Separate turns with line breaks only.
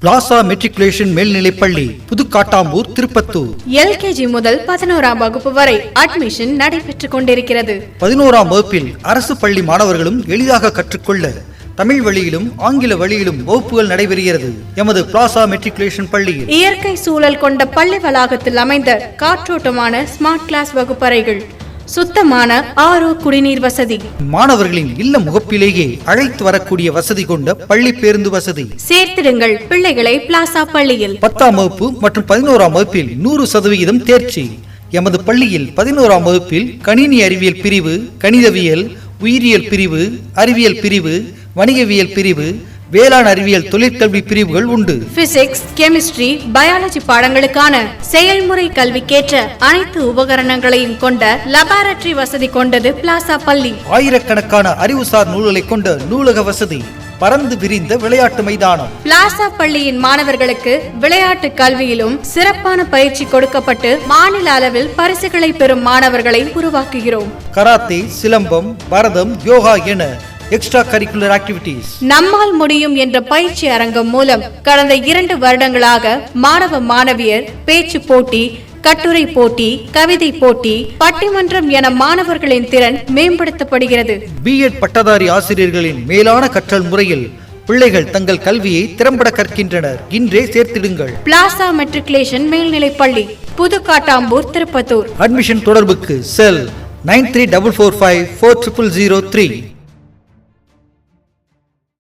Plaza matriculation மேல்நிலைப்பள்ளி, புதுக்காட்டாம்பூர், Tirupattur.
LKG முதல் 11ஆம் வகுப்பு வரை அட்மிஷன் நடைபெற்றுக் கொண்டிருக்கிறது.
11ஆம் வகுப்பில் அரசு பள்ளி மாணவர்களும் எளிதாக கற்றுக்கொள்ள தமிழ் வழியிலும் ஆங்கில வழியிலும் வகுப்புகள் நடைபெறுகிறது. எமது பிளாசா மெட்ரிகுலேஷன் பள்ளியில்
இயற்கை சூழல் கொண்ட பள்ளி வளாகத்தில் அமைந்த காற்றோட்டமான ஸ்மார்ட் கிளாஸ் வகுப்பறைகள், சுத்தமான ஆரோ குடிநீர் வசதி,
மாணவர்களின் இல்ல முகப்பிலேயே அழைத்து வரக்கூடிய வசதி கொண்ட பள்ளி பேருந்து வசதி.
சேர்த்திடுங்கள் பிள்ளைகளை பிளாசா பள்ளியில்.
10ஆம் வகுப்பு மற்றும் 11ஆம் வகுப்பில் 100% தேர்ச்சி. எமது பள்ளியில் 11ஆம் வகுப்பில் கணினி அறிவியல் பிரிவு, கணிதவியல், உயிரியல் பிரிவு, அறிவியல் பிரிவு, வணிகவியல் பிரிவு, வேளாண் அறிவியல் தொழிற்கல்வி பிரிவுகள் உண்டு.
பிசிக்ஸ், கெமிஸ்ட்ரி, பயாலஜி பாடங்களுக்கான செயல்முறை கல்விக்கேற்ற அனைத்து உபகரணங்களையும் கொண்ட லபார்டரி வசதி கொண்டது பிளாசா பள்ளி.
ஆயிரக்கணக்கான அறிவுசார் நூல்களை கொண்ட நூலக வசதி, பரந்து விரிந்த விளையாட்டு மைதானம்.
பிளாசா பள்ளியின் மாணவர்களுக்கு விளையாட்டு கல்வியிலும் சிறப்பான பயிற்சி கொடுக்கப்பட்டு மாநில அளவில் பரிசுகளை பெறும் மாணவர்களை உருவாக்குகிறோம்.
கராத்தே, சிலம்பம், பரதம், யோகா என எக்ஸ்ட்ரா கரிக்குலர் ஆக்டிவிட்டீஸ்.
நம்மால் முடியும் என்ற பயிற்சி அரங்கம் மூலம் கடந்த 2 வருடங்களாக மாணவ மாணவியர் பேச்சு போட்டி, கட்டுரை போட்டி, கவிதை போட்டி, பட்டிமன்றம் என மாணவர்களின் திறன் மேம்படுத்தப்படுகிறது.
பிஎட் பட்டதாரி ஆசிரியர்களின் மேலான கற்றல் முறையில் பிள்ளைகள் தங்கள் கல்வியை திறம்பட கற்கின்றனர். இன்றே சேர்த்திடுங்கள்.
பிளாசா மெட்ரிகுலேஷன் மேல்நிலைப்பள்ளி, புதுக்காட்டாம்பூர், திருப்பத்தூர்.
அட்மிஷன் தொடர்புக்கு செல் 9344540003.